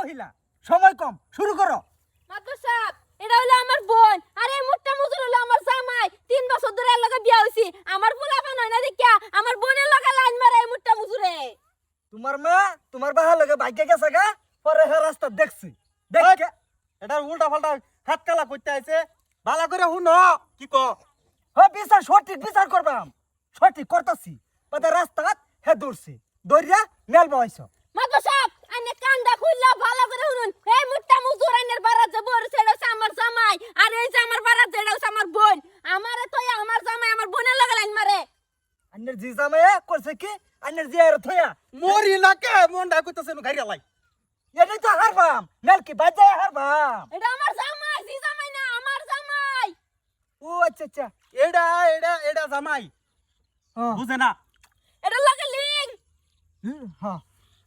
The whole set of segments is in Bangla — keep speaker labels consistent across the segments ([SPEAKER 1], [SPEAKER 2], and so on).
[SPEAKER 1] মহিলা, সময় কম, শুরু করো।
[SPEAKER 2] মাতবর সাহেব, এটা হলো আমার বোন আর এই মোটা মুজুর হলো আমার জামাই। 3 বছর ধরে এর লগে বিয়া হইছি। আমার পোলাপান হয় না দেখিয়া আমার বোনের লগে লাইন মারে এই মোটা মুজুরে।
[SPEAKER 1] তোমার মা তোমার বাহা লগে ভাগ্য গেছে গা, পরে হে রাস্তা দেখছি। দেখ
[SPEAKER 3] এটা উল্টা পাল্টা হাত কালা করতে আইছে, ভালো করে শুনো কি ক।
[SPEAKER 1] বিচার সঠিক বিচার করবাম, সঠিক করতাছি। পরে রাস্তাত হে দৌড়ছি, দৌড়িয়া মেল বহাইছ।
[SPEAKER 2] মাতবর সাহেব, আইনে কান্দা খুললা ভালো করে শুনুন। এই মোটা মুজুর আইনের বারাত যে বড় সেটা হচ্ছে আমার জামাই আর এই যে আমার বারাত যেটা হচ্ছে আমার বোন। আমারে তো আমার জামাই আমার বোনের লগে লাইন মারে।
[SPEAKER 1] আন্নের জি জামাইয়া করছে কি, আন্নের জি আর থয়া
[SPEAKER 3] মরি না কে মনটা কইতাছে নো গাড়ি লাই।
[SPEAKER 1] এটাই তো হারবাম, মেল কি বাজায় হারবাম।
[SPEAKER 2] এটা আমার জামাই, জি জামাই না আমার জামাই।
[SPEAKER 1] ও আচ্ছা আচ্ছা।
[SPEAKER 3] এডা এডা এডা জামাই
[SPEAKER 1] হ্যাঁ
[SPEAKER 3] বুঝে না।
[SPEAKER 2] এটা লগে লিং।
[SPEAKER 1] হ্যাঁ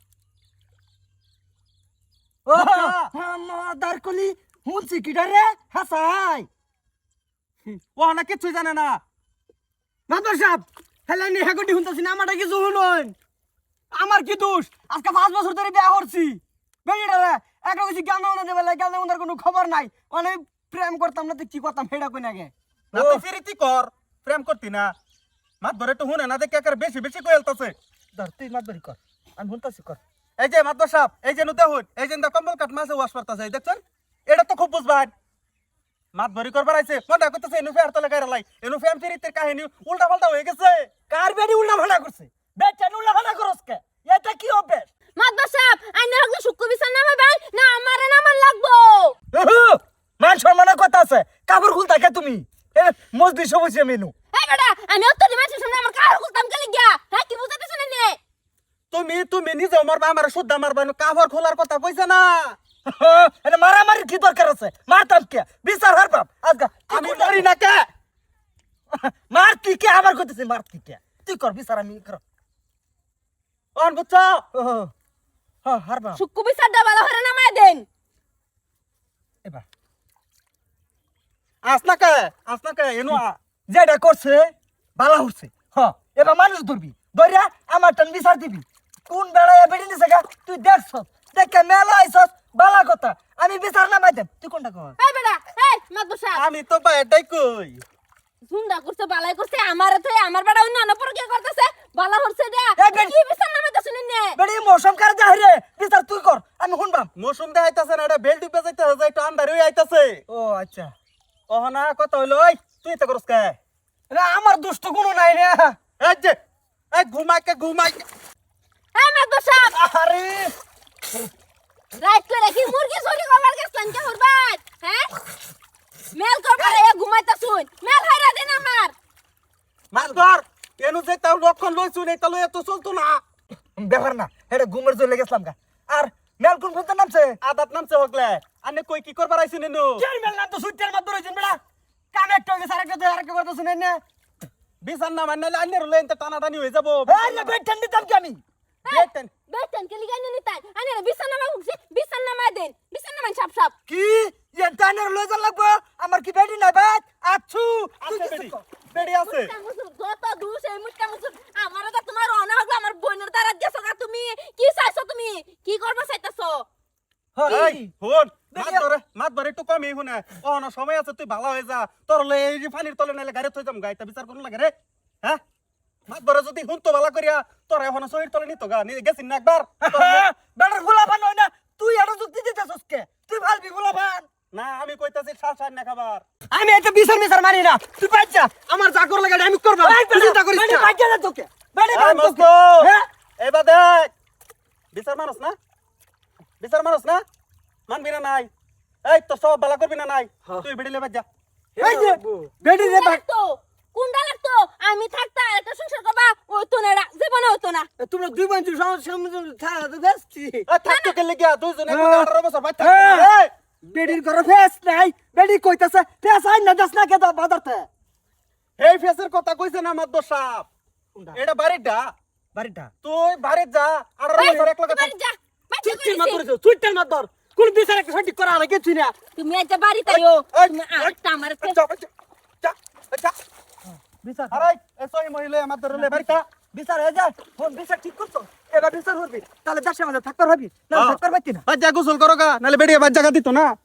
[SPEAKER 1] ও দারকলি হুনছি কিডা রে হাসাই।
[SPEAKER 3] ও না কিছু জানে না।
[SPEAKER 1] মাদর সাহেব হেলে নি হেগটি হুনতাছি না, আমারটা কিছু হুনুন। আমার কি দোষ? আজকে 5 বছর ধরে বিয়া করছি। বেড়িটা রে একটা কিছু জ্ঞান না দেবেলা, জ্ঞান ওনার কোনো খবর নাই। অনেক প্রেম করতাম না তো কি করতাম হেডা কই নাগে।
[SPEAKER 3] না তুই ফিরিতি কর, প্রেম করতি না। মাত ধরে তো শুনে না দেখে একের বেশি বেশি কইলতাছে।
[SPEAKER 1] ধর তুই মাতবরি কর, আমি হুনতাছি কর।
[SPEAKER 3] এই যে মাতবর সাহেব, এই যে নুতে হুন, এই যে কম্বল কাট মাছে ওয়াশ করতেছে দেখছেন, এটা তো খুব বুঝবান। মাত ভরি করবার আইছে, মনটা কইতাছে এনু ফের তলে গায়রা লাই, এনু ফেম ফিরিতের কাহিনী উল্টা পাল্টা হয়ে গেছে।
[SPEAKER 1] কার বেডি উল্টা ভাড়া করছে? বেটা উল্টা ভাড়া করছ কে? এটা কি অভ্যাস?
[SPEAKER 2] মাতবর সাহেব, আইনের হকলে শুক্র বিচার নামে ভাই না আমারে নামান লাগবো।
[SPEAKER 1] মান সম্মানের কথা আছে, কাপড় খুলতা কে তুমি? এ মজদি সবুজে মেনু।
[SPEAKER 2] এই বেটা, আমি অত্তরি মানুষের সামনে আমার কার করতাম গেলি গিয়া। হ্যাঁ কি বুঝাতে শুনে নে?
[SPEAKER 3] তুমি নিজে মারবা, আমার শুদ্ধা মারবা, কাপড় খোলার কথা কইছে না।
[SPEAKER 1] এটা মারামারির কি দরকার আছে? মারতাম কে? বিচার হারবাম আজকা।
[SPEAKER 3] আমি মরি না কে?
[SPEAKER 1] মার তুই কে আবার কইতেছিস? মার তুই কে? তুই কর বিচার, আমি কর।
[SPEAKER 3] অন বুঝছো?
[SPEAKER 1] হ্যাঁ হারবাম
[SPEAKER 2] শুক্র বিচারটা ভালো করে নামায় দেন।
[SPEAKER 1] এবার।
[SPEAKER 3] আসনা কে এনু
[SPEAKER 1] যেটা করছে বালা হচ্ছে। হ্যাঁ এবার মানুষ ধরবি, ধরিয়া আমার টান বিচার দিবি। কোন বেড়ায় বেড়ে নিছে গা তুই দেখছ, দেখে মেলা আইছস, বালা কথা। আমি বিচার নামাই দেব, তুই কোনটা কর?
[SPEAKER 2] এই বেটা, এই মাতবর সাহেব,
[SPEAKER 3] আমি তো বা এটাই কই।
[SPEAKER 2] ঝুন্ডা করছে বালাই করছে আমারে তো আমার বেটা অন্য অন্য পরকে করতেছে বালা হচ্ছে দে।
[SPEAKER 1] এই বেটা।
[SPEAKER 2] কি বিচার নামাইতে শুনে নে?
[SPEAKER 1] বেড়ি মৌসুম কার যা রে, বিচার তুই কর, আমি শুনবাম।
[SPEAKER 3] মৌসুম দেখাইতাছে না, এটা বেল টিপে যাইতেছে, যাই তো আন্ধার হয়ে আইতাছে।
[SPEAKER 1] ও আচ্ছা।
[SPEAKER 3] অহনা কত হইলো, ওই তুই তো করস কে?
[SPEAKER 1] না আমার দুষ্ট কোনো নাই রে।
[SPEAKER 3] এই যে এই ঘুমাই
[SPEAKER 2] এই মাতবর সাহেব,
[SPEAKER 1] আরে
[SPEAKER 2] রাইট করে কি মুরগি চুরি করবার গেছলেন কে হরবাত? হ্যাঁ? মেল করবার এ ঘুমাইতা শুন। মেল হাইরা দেন আমার।
[SPEAKER 3] মাছ ধর। এনু যে তার লক্ষণ লইছু নেই তাহলে এত চলতো না।
[SPEAKER 1] ব্যাপার না, এটা ঘুমের চলে গেছিলাম গা। আর মেল কোন ফোন নামছে?
[SPEAKER 3] আদাত নামছে হগলে আনে কই কি করবার আইছিস নেনু?
[SPEAKER 1] কেন মেল নাম তো সুইটার মাত্র হইছেন বেড়া। কানে একটা হইছে, আরেকটা কথা শুনেন না।
[SPEAKER 3] বিছান না মানলে আনে রলে এতে টানাটানি হয়ে যাব।
[SPEAKER 1] আরে বেট ঠান্ডি দাম কি আমি?
[SPEAKER 3] বেটেন
[SPEAKER 2] বেতন কে লিগাই নি তাই। আনে বিছানা নামা উঠছে, বিছানা নামা দেন। বিছানা নামান সাপ সাপ।
[SPEAKER 1] কি এন্টারনেট লই যা লাগবো? আমার কি বেডি নাই বাত? আছু তুই
[SPEAKER 3] আছে
[SPEAKER 1] কিছু
[SPEAKER 3] বেডি।
[SPEAKER 1] কর।
[SPEAKER 3] বেডি আছে।
[SPEAKER 2] যত দুষ এই মুটকা মুসুর আমারে তো তোমার অনা হগলো আমার বোনের দ্বারা গেছো গা তুমি। কি চাইছো তুমি? কি করবা চাইতাছো?
[SPEAKER 3] এই হন মাত ধরে একটু কমই শুনে। অহনা সময় আছে, তুই ভালো হয়ে যা। তোর লই এই যে পানির তলে নাইলে গাড়ি থই যাম, গাইতা বিচার কোন লাগে রে? হ্যাঁ মাত ধরে যদি হুন তো ভালো করিয়া তোর এখন শরীর তলে নিত গা নি গেছিস না একবার।
[SPEAKER 1] বেটার গোলাপান হয় না, তুই এটা যুক্তি দিতেছস কে? তুই ভালবি গোলাপান?
[SPEAKER 3] না আমি কইতাছি শাল না খাবার।
[SPEAKER 1] আমি এটা বিচার মারি না, তুই বাচ্চা আমার যা কর লাগে আমি করব। তুই চিন্তা করিস না। বাচ্চা না তোকে বেডি
[SPEAKER 3] এই
[SPEAKER 1] বান
[SPEAKER 3] মস্ত
[SPEAKER 1] তোকে। হ্যাঁ
[SPEAKER 3] এবার দেখ বিচার মানুষ না, বিচার মানুষ না, মানবি না নাই? এই তো সব বালা করবি না নাই? তুই বেড়িলে বাজ যা।
[SPEAKER 1] এই যে বেডি রে বাক।
[SPEAKER 2] লাগতো কোনটা লাগতো? আমি থাকতা একটা সংসার করবা ওই তো না জীবনে হতো না।
[SPEAKER 1] তোমরা দুই বন্ধু সমস্যা থাকা তো বেশি।
[SPEAKER 3] থাকতো কে লেগে দুইজনে 18 বছর ভাই
[SPEAKER 1] হ্যাঁ।
[SPEAKER 3] থাকতো। এই
[SPEAKER 1] বেডির ঘরে ফেস নাই, বেডি কইতাছে ফেস আই না দাস না কে বাজারতে।
[SPEAKER 3] এই ফেসের কথা কইছে না আমার দোষাপ। এটা বাড়িটা
[SPEAKER 1] বাড়িটা
[SPEAKER 3] তুই বাড়ি যা 18 বছর এক লগে থাক।
[SPEAKER 2] বাড়ি যা। বাচ্চা
[SPEAKER 1] চুট্টির
[SPEAKER 2] করেছে।
[SPEAKER 1] মাত ধরেছো, চুট্টির মাত ধর। কোন বিচার একটা সঠিক করা লাগে কিছু না।
[SPEAKER 2] তুমি একটা বাড়ি তাইও
[SPEAKER 3] এই,
[SPEAKER 2] তুমি
[SPEAKER 3] এই,
[SPEAKER 2] আরেকটা আমার
[SPEAKER 3] যা, যা, যা।
[SPEAKER 1] বিচার
[SPEAKER 3] আরে এসই মহিলা আমার ধরলে বাড়িটা
[SPEAKER 1] বিচার হয়ে যায়। ফোন বিচার ঠিক করছো? এবার বিচার করবি তাহলে দেশের মাঝে থাকতে পারবি না থাকতে পারবি না
[SPEAKER 3] বাচ্চা গোসল করো গা নাহলে বেরিয়ে বাচ্চা দিত না